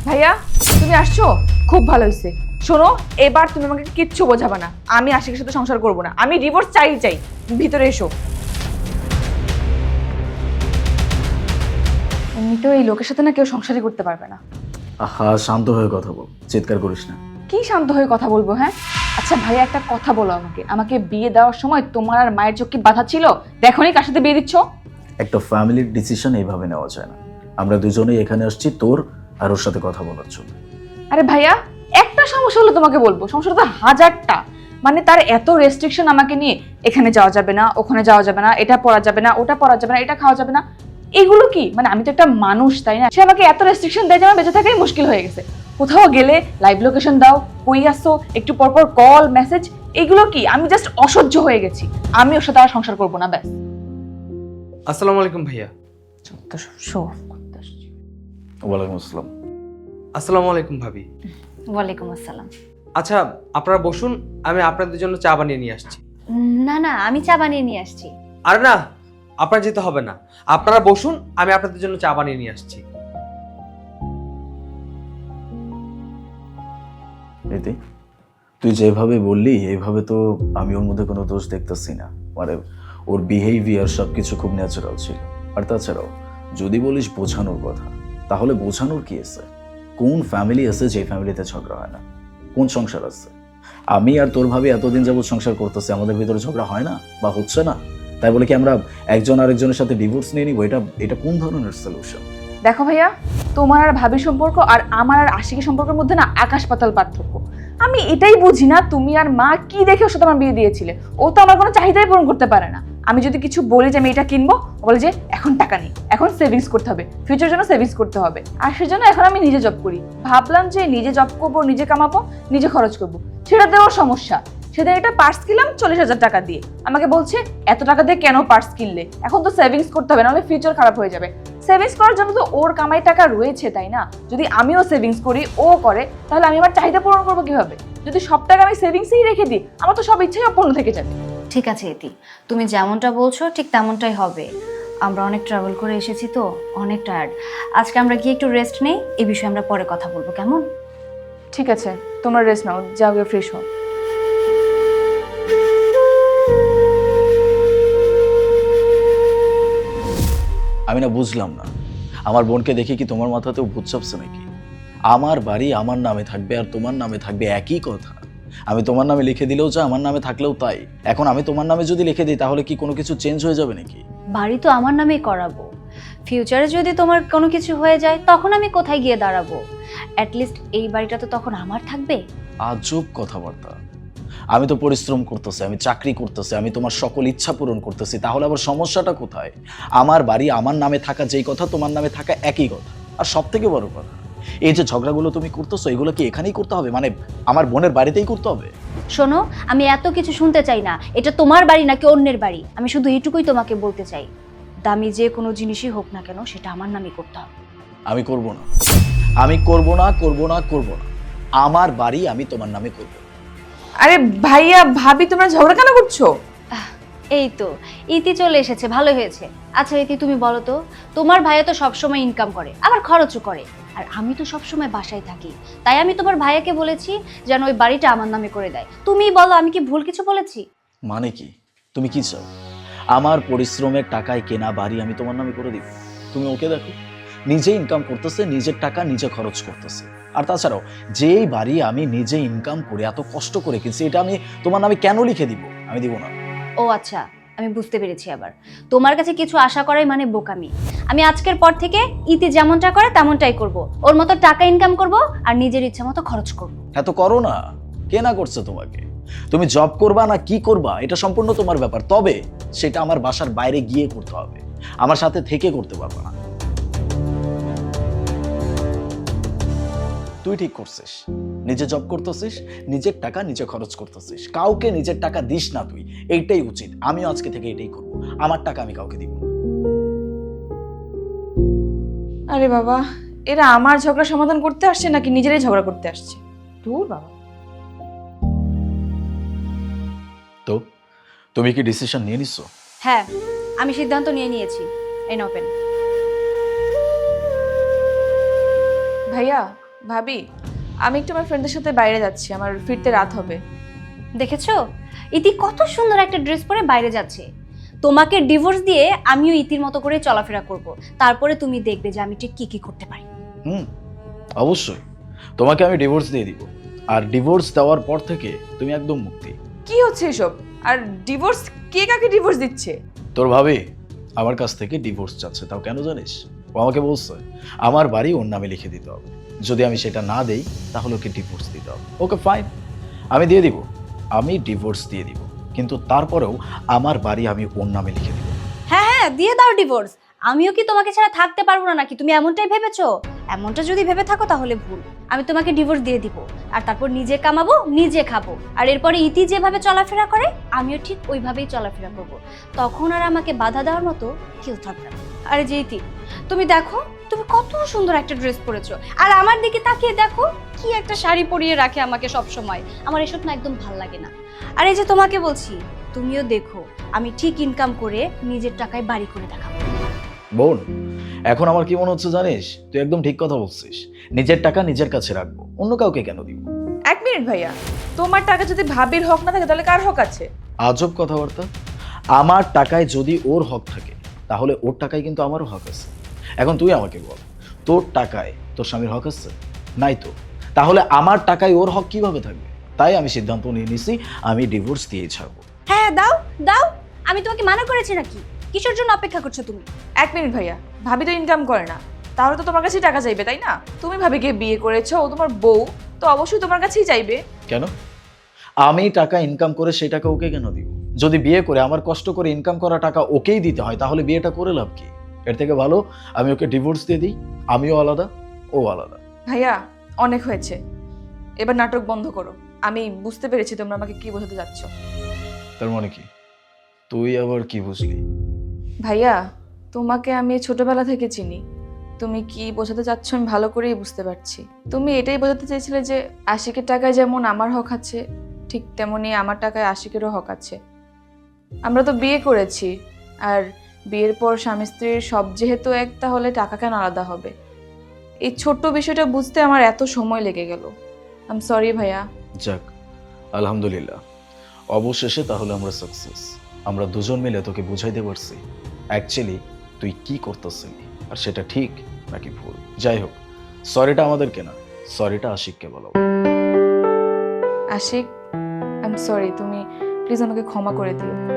ভাইয়া তুমি আসছো, খুব ভালো হয়েছে। শোনো, এবার তুমি আমাকে কিচ্ছু বোঝাবে না। আমি আশিকের সাথে সংসার করব না, আমি ডিভোর্স চাই। ভিতরে এসো। এমনিতেও এই লোকের সাথে না কেউ সংসারই করতে পারবে না। আহা, শান্ত হয়ে কথা বল, চিৎকার করিস না। কি শান্ত হয়ে কথা বলবো? হ্যাঁ আচ্ছা ভাইয়া, একটা কথা বলো আমাকে, আমাকে বিয়ে দেওয়ার সময় তোমার আর মায়ের চোখ কি বাধা ছিল? দেখোনি কার সাথে বিয়ে দিচ্ছ। একটা ফ্যামিলির ডিসিশন এইভাবে নেওয়া যায় না। আমরা দুজনেই এখানে আসছি তোর আর ওর সাথে কথা বলার জন্য। আরে ভাইয়া, একটা সমস্যা হলো তোমাকে বলবো, সমস্যাটা তো হাজারটা। মানে তার এত রেস্ট্রিকশন আমাকে নিয়ে, এখানে যাওয়া যাবে না, ওখানে যাওয়া যাবে না, এটা পড়া যাবে না, ওটা পড়া যাবে না, এটা খাওয়া যাবে না। এগুলো কি মানে? আমি তো একটা মানুষ, তাই না? সে আমাকে এত রেস্ট্রিকশন দেয় যে আমার বেঁচে থাকাই মুশকিল হয়ে গেছে। কোথাও গেলে লাইভ লোকেশন দাও, কই আসো, একটু পরপর কল মেসেজ, এগুলো কি? আমি জাস্ট অসহ্য হয়ে গেছি। আমি ওর সাথে আর সংসার করবো না, ব্যাস। আসসালামু আলাইকুম ভাইয়া। ওয়ালাইকুম আসসালাম। আসসালামু আলাইকুম ভাবি। ওয়ালাইকুম আসসালাম। আচ্ছা আপনারা বসুন, আমি আপনাদের জন্য চা বানিয়ে নিয়ে আসছি। না না, আমি চা বানিয়ে নিয়ে আসছি। আরে না, আপনার যেতে হবে না, আপনারা বসুন, আমি আপনাদের জন্য চা বানিয়ে নিয়ে আসছি। রীতি, তুই যেভাবে বললি এইভাবে তো আমি ওর মধ্যে কোনো দোষ দেখতেছি না। মানে ওর বিহেভিয়ার সবকিছু খুব ন্যাচারাল ছিল। আর তাছাড়াও যদি বলিস বোঝানোর কথা, তাহলে বোঝানোর কি আছে? কোন ফ্যামিলি আছে যে ফ্যামিলিতে ঝগড়া হয় না? কোন সংসার আছে? আমি আর তোর ভাবি এতদিন যাবৎ সংসার করতেছি, আমাদের ভিতরে ঝগড়া হয় না বা হচ্ছে না? তাই বলে কি আমরা একজন আরেকজনের সাথে ডিভোর্স নিয়ে নিব? এটা কোন ধরনের সলিউশন? দেখো ভাইয়া, তোমার আর ভাবি সম্পর্ক আর আমার আর আশিকের সম্পর্কের মধ্যে না আকাশ পাতাল পার্থক্য। আমি এটাই বুঝি না, তুমি আর মা কি দেখে ওর সাথে আমার বিয়ে দিয়েছিলে? ও তো আমার কোনো চাহিদাই পূরণ করতে পারে না। আমি যদি কিছু বলি যে আমি এটা কিনবো, ও বলে যে এখন টাকা নেই, এখন সেভিংস করতে হবে, ফিউচার জন্য সেভিংস করতে হবে। আর সেজন্য এখন আমি নিজে জব করি। ভাবলাম যে নিজে জব করবো, নিজে কামাবো, নিজে খরচ করবো, সেটাতে ওর সমস্যা। সেদিন একটা পার্স কিনলাম 40,000 টাকা দিয়ে, আমাকে বলছে এত টাকা দিয়ে কেন পার্স কিনলে? এখন তো সেভিংস করতে হবে, নাহলে ফিউচার খারাপ হয়ে যাবে। সেভিংস করার জন্য তো ওর কামাই টাকা রয়েছে, তাই না? যদি আমিও সেভিংস করি, ও করে, তাহলে আমি আমার চাহিদা পূরণ করবো কিভাবে? যদি সব টাকা আমি সেভিংসেই রেখে দিই, আমার তো সব ইচ্ছাই অপূর্ণ থেকে যাবে। ঠিক আছে ইতি, তুমি যেমনটা বলছো ঠিক তেমনটাই হবে। আমরা অনেক ট্রাভেল করে এসেছি তো, অনেক টায়ার্ড। আজকে আমরা গিয়ে একটু রেস্ট নেই, এই বিষয়ে আমরা পরে কথা বলবো, কেমন? ঠিক আছে, তোমরা রেস্ট নাও, যাও গিয়ে ফ্রেশ হও। আমি না বুঝলাম না, আমার বোনকে দেখে কি তোমার মাথাতেও ভূত চাপছে নাকি? আমার বাড়ি আমার নামে থাকবে আর তোমার নামে থাকবে, একই কথা। আমি তোমার নামে লিখে দিলেও যা, আমার নামে থাকলেও তাই। এখন আমি তোমার নামে যদি লিখে দিই, তাহলে কি কোনো কিছু চেঞ্জ হয়ে যাবে নাকি? বাড়ি তো আমার নামেই করাবো। ফিউচারে যদি তোমার কোনো কিছু হয়ে যায়, তখন আমি কোথায় গিয়ে দাঁড়াবো? অ্যাটলিস্ট এই বাড়িটা তো তখন আমার থাকবে। আজব কথাবার্তা। আমি তো পরিশ্রম করতেছি, আমি চাকরি করতেছি, আমি তোমার সকল ইচ্ছা পূরণ করতেছি, তাহলে আবার সমস্যাটা কোথায়? আমার বাড়ি আমার নামে থাকা যেই কথা, তোমার নামে থাকা একই কথা। আর সব থেকে বড় কথা, এই যে ঝগড়াগুলো তুমি করতেছো, এগুলো কি এখানেই করতে হবে? মানে আমার বোনের বাড়িতেই করতে হবে? শোনো, আমি এত কিছু শুনতে চাই না, এটা তোমার বাড়ি নাকি অন্যের বাড়ি। আমি শুধু এইটুকুই তোমাকে বলতে চাই, দামি যে কোনো জিনিসই হোক না কেন, সেটা আমার নামই করতে হবে। আমি করব না, আমি করব না, করব না, করব না। আমার বাড়ি আমি তোমার নামে করব। আরে ভাইয়া ভাবি, তোমরা ঝগড়া কেন করছো? এই তো ইতি চলে এসেছে, ভালো হয়েছে। আচ্ছা ইতি, তুমি বলো তো, তোমার ভাইয়া তো সবসময় ইনকাম করে, আবার খরচও করে, আর আমি তো সবসময় বাসায় থাকি। তাই আমি তোমার ভাইয়াকে বলেছি যেন ওই বাড়িটা আমার নামে করে দেয়। তুমিই বলো, আমি কি ভুল কিছু বলেছি? মানে কি? তুমি কি চাও আমার পরিশ্রমের টাকায় কেনা বাড়ি আমি তোমার নামে করে দিব? তুমি ওকে দেখো, নিজে ইনকাম করতেছে, নিজের টাকা নিজে খরচ করতেছে। আর তাছাড়াও যেই বাড়ি আমি নিজে ইনকাম করে এত কষ্ট করে কিনছি, এটা আমি তোমার নামে কেন লিখে দিব? আমি দিব না। ও আচ্ছা, আমি বুঝতে পেরেছি। আবার তোমার কাছে কিছু আশা করাই মানে বোকামি। আমি আজকের পর থেকে ইতি যেমনটা করে তেমনটাই করব। ওর মতো টাকা ইনকাম করব আর নিজের ইচ্ছা মতো খরচ করব। এত করো না। কে না করছে তোমাকে? তুমি জব করবা না কি করবা, এটা সম্পূর্ণ তোমার ব্যাপার। তবে সেটা আমার বাসার বাইরে গিয়ে করতে হবে, আমার সাথে থেকে করতে পারবা না। তুই ঠিক করছিস, নিজে জব করতেছিস, নিজের টাকা নিজে খরচ করতেছিস, কাউকে নিজের টাকা দিস না তুই। এইটাই উচিত। আমিও আজকে থেকে এটাই করব, আমার টাকা আমি কাউকে দিব না। আরে বাবা, এরা আমার ঝগড়া সমাধান করতে আসছে নাকি নিজেরাই ঝগড়া করতে আসছে? দূর বাবা। তো তুমি কি ডিসিশন নিয়ে নিছো? হ্যাঁ, আমি সিদ্ধান্ত নিয়ে নিয়েছি। এই নাও পেন। ভাইয়া ভাবি, আমি একটু আমার ফ্রেন্ডের সাথে বাইরে যাচ্ছি, আমার ফিরতে রাত হবে। দেখেছো ইতি কত সুন্দর একটা ড্রেস পরে বাইরে যাচ্ছে। তোমাকে ডিভোর্স দিয়ে আমিও ইতির মতো করে চলাফেরা করব, তারপরে তুমি দেখবে যে আমি ঠিক কি কি করতে পারি। অবশ্যই তোমাকে আমি ডিভোর্স দিয়ে দিব, আর ডিভোর্স দেওয়ার পর থেকে তুমি একদম মুক্তি। কি হচ্ছে এসব? আর ডিভোর্স, কে কাকে ডিভোর্স দিচ্ছে? তোর ভাবি আমার কাছ থেকে ডিভোর্স চাচ্ছে, তাও কেন জানিস? ও আমাকে বলছে আমার বাড়ি ওর নামে লিখে দিতে হবে, যদি আমি সেটা না দেই তাহলে ওকে ডিভোর্স দিতে হবে। ওকে ফাইন, আমি দিয়ে দিব, আমি ডিভোর্স দিয়ে দিব, কিন্তু তারপরেও আমার বাড়ি আমি ওর নামে লিখে দিব। হ্যাঁ হ্যাঁ, দিয়ে দাও ডিভোর্স। আমিও কি তোমাকে ছাড়া থাকতে পারবো না নাকি? তুমি এমনটাই ভেবেছো? এমনটা যদি ভেবে থাকো তাহলে ভুল। আমি তোমাকে ডিভোর্স দিয়ে দিব, আর তারপর নিজে কামাবো, নিজে খাবো, আর এরপরে ইতি যেভাবে চলাফেরা করে আমিও ঠিক ওইভাবেই চলাফেরা করব। তখন আর আমাকে বাধা দেওয়ার মতো কেউ থাকবে না। আরে যে ইতি, তুমি দেখো তুমি কত সুন্দর একটা ড্রেস পরেছো, আর আমার দিকে তাকিয়ে দেখো কি একটা শাড়ি পরিয়ে রাখে আমাকে সব সময়। আমার এসব না একদম ভাল লাগে না। আর এই যে তোমাকে বলছি, তুমিও দেখো আমি ঠিক ইনকাম করে নিজের টাকায় বাড়ি করে দেখাবো। বোন, এখন আমার কি মনে হচ্ছে জানিস, তুই একদম ঠিক কথা বলছিস। নিজের টাকা নিজের কাছে রাখবো, অন্য কাউকে কেন দিব? এক মিনিট ভাইয়া, তোমার টাকা যদি ভাবির হক না থাকে তাহলে কার হক আছে? আজব কথাবার্তা। আমার টাকায় যদি ওর হক থাকে তাহলে ওর টাকায় কিন্তু আমারও হক আছে। এখন তুই আমাকে বল, তোর টাকায় তোর স্বামীর হক আছে? নাই তো। তাহলে আমার টাকায় ওর হক কিভাবে থাকবে? তাই আমি সিদ্ধান্ত নিয়ে নিছি, আমি ডিভোর্স দিয়ে ছাড়বো। হ্যাঁ দাও দাও, আমি তোমাকে মানা করেছি নাকি? কিসের জন্য অপেক্ষা করছো তুমি? এক মিনিট ভাইয়া, ভাবি তো ইনকাম করে না, তাহলে তো তোমার কাছেই টাকা চাইবে, তাই না? তুমি ভাবিকে বিয়ে করেছো, ও তোমার বউ, তো অবশ্যই তোমার কাছেই চাইবে। কেন? আমি টাকা ইনকাম করে সেই টাকা ওকে কেন দিব? যদি বিয়ে করে আমার কষ্ট করে ইনকাম করা টাকা ওকেই দিতে হয় তাহলে বিয়েটা করে লাভ কি? এর থেকে ভালো আমি ওকে ডিভোর্স দিয়ে দিই, আমিও আলাদা, ও আলাদা। ভাইয়া অনেক হয়েছে, এবার নাটক বন্ধ করো। আমি বুঝতে পেরেছি তোমরা আমাকে কি বোঝাতে যাচ্ছ। তার মানে কি? তুই আবার কি বুঝলি? ভাইয়া, তোমাকে আমি ছোটবেলা থেকে চিনি, তুমি কি বোঝাতে চাচ্ছ আমি ভালো করেই বুঝতে পারছি। তুমি এটাই বোঝাতে চেয়েছিলে যে আশিকের টাকায় যেমন আমার হক আছে, ঠিক তেমনি আমার টাকায় আশিকেরও হক আছে। আমরা তো বিয়ে করেছি, আর বিয়ের পর স্বামী স্ত্রীর সব যেহেতু এক, তাহলে টাকা কেন আলাদা হবে? এই ছোট্ট বিষয়টা বুঝতে আমার এত সময় লেগে গেল। আই এম সরি ভাইয়া। যাক, আলহামদুলিল্লাহ, অবশেষে তাহলে আমরা সাকসেস। আমরা দুজন মিলে তোকে বুঝাইতে পারছি অ্যাকচুয়ালি তুই কি করতেছিলি, আর সেটা ঠিক নাকি ভুল। যাই হোক, সরিটা আমাদেরকে না, সরিটা আশিককে বলো। আশিক, আই এম সরি, তুমি প্লিজ আমাকে ক্ষমা করে দিও।